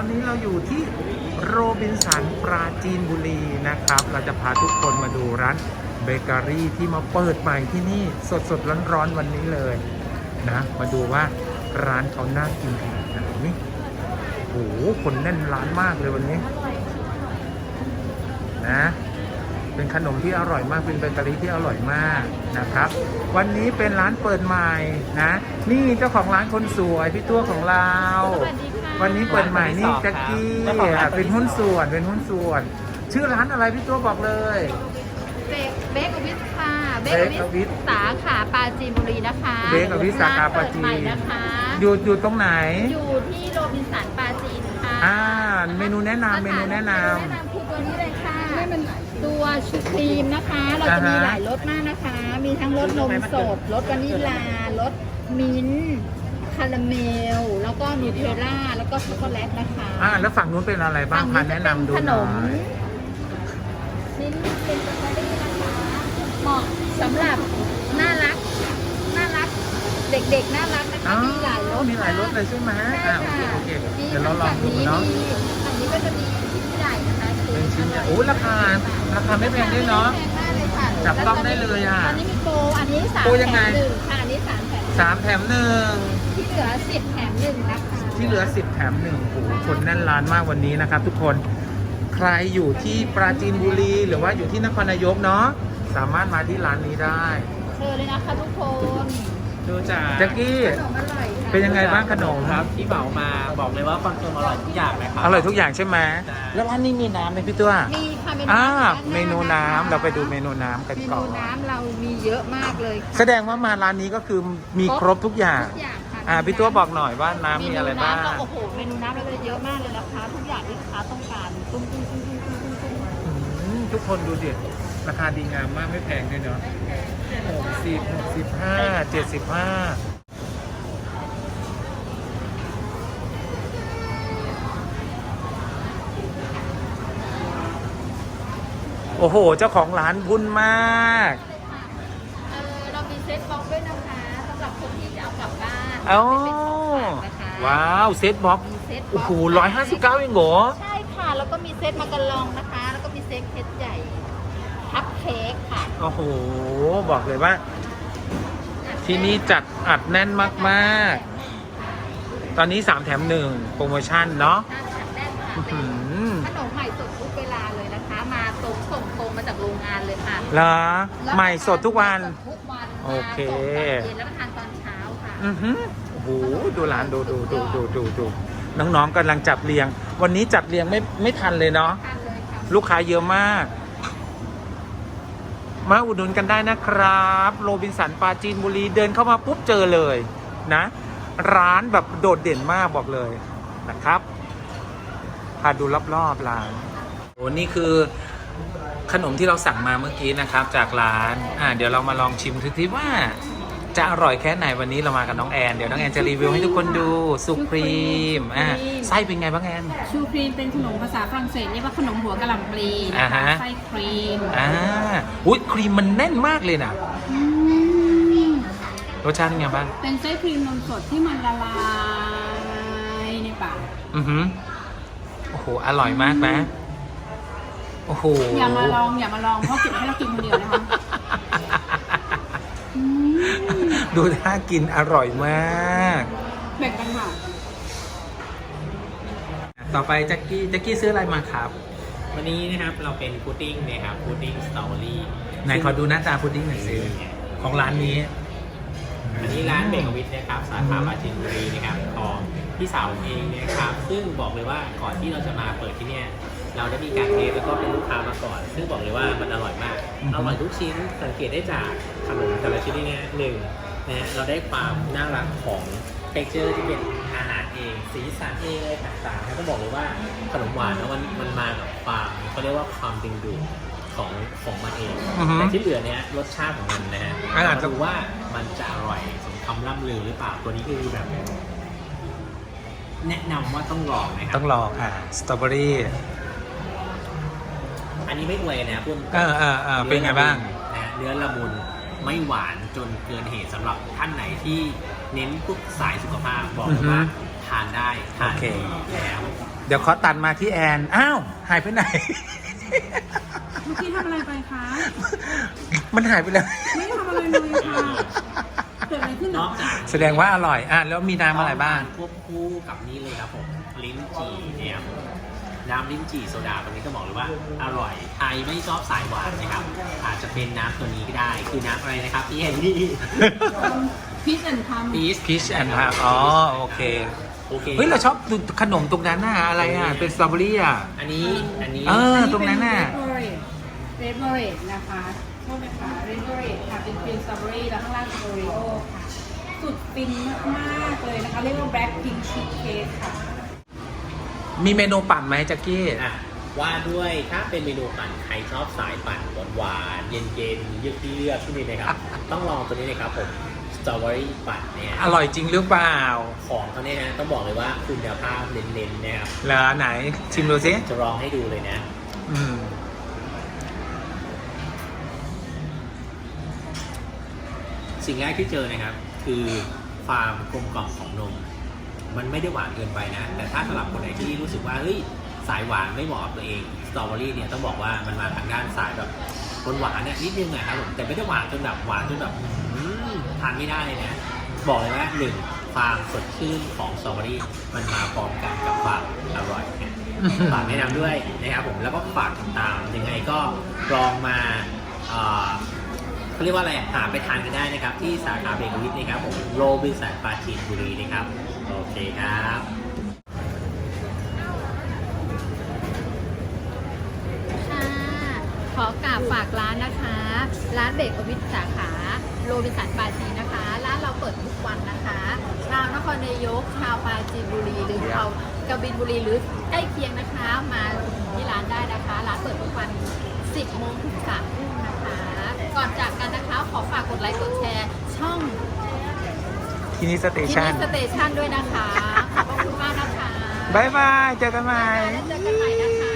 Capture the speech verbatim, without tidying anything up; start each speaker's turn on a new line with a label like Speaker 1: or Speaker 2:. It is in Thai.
Speaker 1: อนนี้เราอยู่ที่โรบินสันปราจีนบุรีนะครับ เราจะพาทุกคนมาดูร้านเบเกอรี่ที่มาเปิดใหม่ที่นี่สดสดร้อนๆวันนี้เลยนะมาดูว่าร้านเขาน่ากินขนาดไหนนี่โอ้โหคนแน่นร้านมากเลยวันนี้นะเป็นขนมที่อร่อยมากเป็นเบเกอรี่ที่อร่อยมากนะครับวันนี้เป็นร้านเปิดใหม่นะนี่เจ้าของร้านคนสวยพี่ตัวของเราวันนี้เปิดใหม่นี่แจ็คกี้เป็นหุ้นส่วนเป็นหุ้นส่วนชื่อร้านอะไรพี่ตัวบอกเลย
Speaker 2: เบกเบกอวิสค่ะเบกอวิสสาขาปราจีนบุรีนะคะ
Speaker 1: เบกอวิสสาขาปราจีน
Speaker 2: นะคะ
Speaker 1: อยู่อยู่ตรงไหน
Speaker 2: อยู่ที่โรบินสันปราจีนค่ะ
Speaker 1: อ่าเมนูแนะนำเมนูแนะนำ
Speaker 2: แนะนำคือตัวนี้เลยค่ะตัวชูครีมนะคะเราจะมีหลายรสมากนะคะมีทั้งรสนมสดรสวานิลารสมิ้นท์คาราเมลแล้วก็นูเทลล่าแล้วก็ช็อกโกแลตนะคะ
Speaker 1: อ่าแล้วฝั่งนู้นเป็นอะไรบ้างพาแนะนำดูหน่อย
Speaker 2: ชิ้นเป็นสตรอเบอรี่นะคะเหมาะสำหรับน่ารักน่ารักเด็กๆน่ารักนะคะมีหลายรส
Speaker 1: มีหลายรสเลยใช่ไหมอ่าโอเคโอเคเดี๋ยวเราลองดู
Speaker 2: เนาะอันนี้ก็จะมีชิ้นใหญ่นะคะ
Speaker 1: เป็นชิ้นใหญ่โอ้ราคาราคาไม่แพงด้วยเนาะจับต้องได้เลยอ่ะ
Speaker 2: อันนี้มีโปรอันนี้สามแถมหนึ่งค่ะอันนี้สามแถม
Speaker 1: สามแถมหนึ่ง
Speaker 2: ที่เหลือสิบแถมหนึ่งนะคะ
Speaker 1: ที่เหลือสิบแถมหนึ่งโอ้โหคนแน่นร้านมากวันนี้นะครับทุกคนใครอยู่ที่ปราจีนบุรีหรือว่าอยู่ที่นครนายกเนาะสามารถมาที่ร้านนี้ได้
Speaker 2: เชิญเลยนะคะทุกคน
Speaker 3: ดูจาก
Speaker 1: แจ็คกี้เป็นยังไงบ้างขนม
Speaker 3: ครับที่เหมามาบอกเลยว่าคอนเฟิร์มอร่อยทุกอย่างเลยครับ
Speaker 1: อร่อยทุกอย่างใช่ไหมแล้วร้านนี้มีน้ำไหมพี่ตัว
Speaker 2: มีค่ะเมนู
Speaker 1: อ่าเมนูน้ำเราไปดูเมนูน้ำกันก่อน
Speaker 2: เมนูน้ำเรามีเยอะมากเลย
Speaker 1: แสดงว่ามาร้านนี้ก็คือมีครบทุกอย่างอ่าพี่ตัวบอกหน่อยว่าน้ำมีอะไรบ้าง
Speaker 2: โอ้โหเมนูน้ำเราเลยเยอะมากเลยนะคะทุกอย่างที่ลูกค้าต้องการตุ้มตุ้มตุ้มตุ้มตุ้มตุ้มตุ้ม
Speaker 1: ทุกคนดูดิราคาดีงามมากไม่แพงด้วยเนาะหกสิบหกสิบห้าเจ็ดสิบห้าโอ้โหเจ้าของร้านบุญมาก
Speaker 2: เออเรามีเซ็ตบ็อกด้วยนะคะสำหรับคนที่จะเอากลับบ้าน
Speaker 1: เอ้าว้าวเซ็ตบ็อกโอ้โหร้อยห้าสิบเก้าเองเหรอ
Speaker 2: ใช่ค่ะแล้วก็มีเซ็ตมากระลองนะคะแล้วก็มีเซ็ตเค้กใหญ่คัพเค้กค่ะ
Speaker 1: โอ้โหบอกเลยว่าที่นี่จัดอัดแน่นมากๆตอนนี้สามแถมหนึ่งโปรโมชั่นเนาะ
Speaker 2: ขนมใหม่สดทุกเวลาเลยนะคะมาตรงส่งตรงมาจากโรงงานเลยค่ะ
Speaker 1: เหรอใหม่สดทุกวันโอเค
Speaker 2: เย็นแล้วมาทานตอนเช้าค่ะ
Speaker 1: อือหือโอ้โหดูร้านดูดูดูดูดูดูน้องๆกำลังจัดเรียงวันนี้จัดเรียงไม่ไม่ทันเลยเนาะลูกค้าเยอะมากมาอุดหนุนกันได้นะครับโรบินสันปราจีนบุรีเดินเข้ามาปุ๊บเจอเลยนะร้านแบบโดดเด่นมากบอกเลยนะครับพาดูรอบๆร้านโอ้นี่คือขนมที่เราสั่งมาเมื่อกี้นะครับจากร้านอ่าเดี๋ยวเรามาลองชิมทีว่าจะอร่อยแค่ไหนวันนี้เรามากับน้องแอนเดี๋ยวน้องแอนจะรีวิวให้ทุกคนดูสุครีมอ่าไส้เป็นไงบ้างแอน
Speaker 4: ชูครีมเป็นขนมภาษาฝรั่งเศสเรียกว่าขนมหัวกะหล่ำปลีนะคะไส้ครีม
Speaker 1: อ่าอุ้ยครีมมันแน่นมากเลยนะรสชาติเป็นไงบ้าง
Speaker 4: เป็นไส้ครีมนมสดที่มันละลายในปาก
Speaker 1: อือหือโอ้โหอร่อยมากนะโอ้โห
Speaker 4: อย่ามาลองอย่ามาลองเพราะเก็บให้เรากินคนเดียวนะคะ
Speaker 1: ดูท่ากินอร่อยมาก
Speaker 4: แบ่งกันค่ะ
Speaker 1: ต่อไปแจ็คกี้แจ็คกี้ซื้ออะไรมาครับ
Speaker 3: วันนี้นะครับเราเป็นพุดดิ้งนะครับพุดดิ้งสตรอเบอรี่
Speaker 1: ไหนขอดูหน้าตาพุดดิ้งหน่อยสิของร้านนี้
Speaker 3: อันนี้ร้านเบเกอรี่นะครับสาขาปราจีนบุรีนะครับของพี่สาวเองนะครับซึ่งบอกเลยว่าก่อนที่เราจะมาเปิดที่เนี่ยเราได้มีการเทสแล้วก็เป็นลูกค้ามาก่อนซึ่งบอกเลยว่ามันอร่อยมากอร่อยทุกชิ้นสังเกตได้จากขนมแต่ละชิ้นเนี่ยหนึ่งนะเราได้ความน่ารักของเท็กเจอร์ที่เป็นอาหารเองสีสันเองอะไรต่างๆต้องบอกเลยว่าขนมหวานแล้วมันมันมากับความเขาเรียกว่าความดึงดูดของของมันเองแต่ที่เหลือเนี้ยรสชาติของมันนะฮะมาดูว่ามันจะอร่อยสมคำล่ำลือหรือเปล่าตัวนี้คือแบบแนะนำว่าต้องลองนะครับ
Speaker 1: ต้องลองอ่ะสตรอเบอรี่
Speaker 3: อันนี้ไม่อวยนะพุ่ม
Speaker 1: เออเออเออเป็นไงบ้าง
Speaker 3: นะเนื้อละมุนไม่หวานจนเกินเหตุสำหรับท่านไหนที่เน้นพวกสายสุขภาพบอกเลยว่าททานได้ทาน
Speaker 1: โอเค
Speaker 3: แล้ว
Speaker 1: เดี๋ยวขอตัดมาที่แอน อ้าว หายไปไหน
Speaker 4: เมื่อกี้ทำอะไรไปคะ
Speaker 1: มันหายไปแล้ว
Speaker 4: ไม่ทำอะไรเลยค่ะเกิดอะไรขึ้นเห
Speaker 3: น
Speaker 4: รอ
Speaker 3: อกจาก
Speaker 1: แสดงว่าอร่อย อ่ะ แล้วมีน้ำอะไรบ้าง
Speaker 3: ควบคู่กับนี่เลยครับผมลิ้นจี่เนี่ยครับน้ำลิ้นจี่โซดาตรงนี้ก็บอกเลยว่าอร่อยใครไม่ชอบสายหวานนะครับอาจจะเป็นน้ำตัวนี้ก็ได้คือน้ำอะไรนะครับพี่แอนนี่
Speaker 4: พีชแอนด์พัม
Speaker 3: พีช
Speaker 1: Peach and Plum อ๋อ โอเค
Speaker 3: โอเค
Speaker 1: เฮ้ย เราชอบขนมตรงนั้นน่ะ อะไรอ่ะ เป็นสตรอเบอรี่อ่ะ
Speaker 3: อันนี้อันนี้
Speaker 1: เออ ตรงนั้นน่ะ
Speaker 4: เรดเบอร์เรดนะคะโทษนะคะเรดเบอร์เรดค่ะเป็นครีมสตรอเบอรี่แล้วข้างล่างเป็นโอรีโอค่ะ สุดฟินมากๆเลยนะคะ เรียกว่าแบล็คพิงค์ชีสเค้กค่ะ
Speaker 1: มีเมนูปั่นไหมแจ็คกี้
Speaker 3: อ่ะว่าด้วยถ้าเป็นเมนูปั่นใครชอบสายปั่นหวานๆเย็นๆเยือกเยือกที่นี่นะครับ ต้องลองตัวนี้เลยครับผมสตรอเบอรี่ปั่นเนี่ย
Speaker 1: อร่อยจริงหรือเปล่า
Speaker 3: ของเขาเนี่ยนะต้องบอกเลยว่าคุณภาพเน้นๆนะครับ
Speaker 1: เหรอไหน ชิมดูสิ
Speaker 3: จะลองให้ดูเลยนะ
Speaker 1: อืม
Speaker 3: สิ่งแรกที่เจอนะครับ คือความกลมกล่อมของนม มันไม่ได้หวานเกินไปนะ แต่ถ้าสำหรับคนไหนที่รู้สึกว่าเฮ้ยสายหวานไม่เหมาะกับตัวเองสตรอเบอรี่เนี่ยต้องบอกว่ามันมาทางด้านสายแบบคนหวานเนี่ยนิดนึงนะครับผมแต่ไม่ได้หวานจนแบบหวานจนแบบอืมทานไม่ได้เลยนะ บอกเลยว่าหนึ่งความสดชื่นของสตรอเบอรี่มันมาพร้อมกันกับความอร่อยนะฝากแนะนำด้วยนะครับผมแล้วก็ฝากติดตามยังไงก็ลองมาเอ่อ เขาเรียกว่าอะไรหาไปทานกันได้นะครับ ที่สาขาเบเกอรี่นะครับผมโรบินสันปราจีนบุรีนะครับ โอเคครับ
Speaker 2: ค่ะขอกราบฝากร้านนะคะ ร้านเบเกอรี่สาขาโรบินสันปราจีนนะคะ ร้านเราเปิดทุกวันนะคะ ชาวนครนายก ชาวปราจีนบุรี หรือชาวกบินบุรีหรือใกล้เคียงนะคะ มาที่ร้านได้นะคะ ร้านเปิดทุกวัน สิบโมงถึงสามทุ่มนะคะ ก่อนจากกันนะคะ ขอฝากกดไลค์กดแชร์ช่อง
Speaker 1: ที่นี่สเต
Speaker 2: ที่
Speaker 1: ชัน
Speaker 2: นี่สเตชันด้วยนะคะ ขอบพระคุณมากนะคะ
Speaker 1: บายบาย เจอกันใหม่
Speaker 2: แล้วเจอกันใหม่นะคะ